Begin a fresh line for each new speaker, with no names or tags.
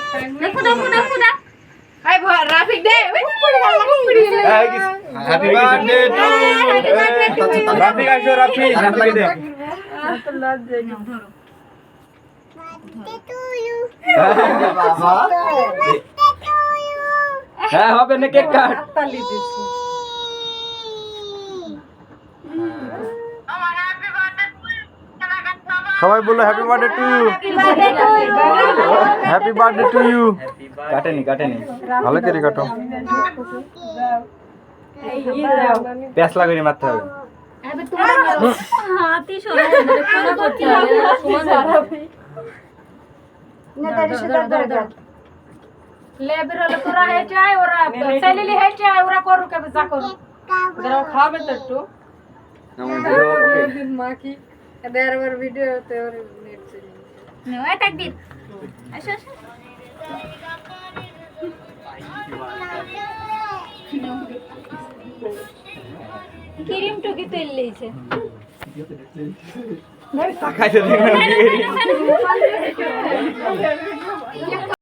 দেখো দেখো দেখো দেখ আই রাফিক দে
হ্যাপি বার্থডে টু রাফিক আইসো রাফিক রাফিক দে
তো লজ্জা নেই ধরো
বাবা হ্যাঁ হবে না কেক কাট
তালি দিছি
সবাই বলো happy birthday to happy birthday to you কাটেনি কাটেনি ভালো করে কাটো প্যাস লাগানি মারতে হবে
আবে তোমার হাতই সরা ধরে কোনা করতে হবে সমান না দাঁড়ি সে দাঁড় লেবের হলে তোরা হেঁটে আয় ওরা সেলিলি হেঁটে আয় ওরা করু কে যা করু যারা খাবে তো একটু মা কি এবার ভিডিওতে ওর নেট চলে নয় তাকবীর আসো আসো ক্রিম টুকি তেল লইছে
তাকাইতে দেখবেন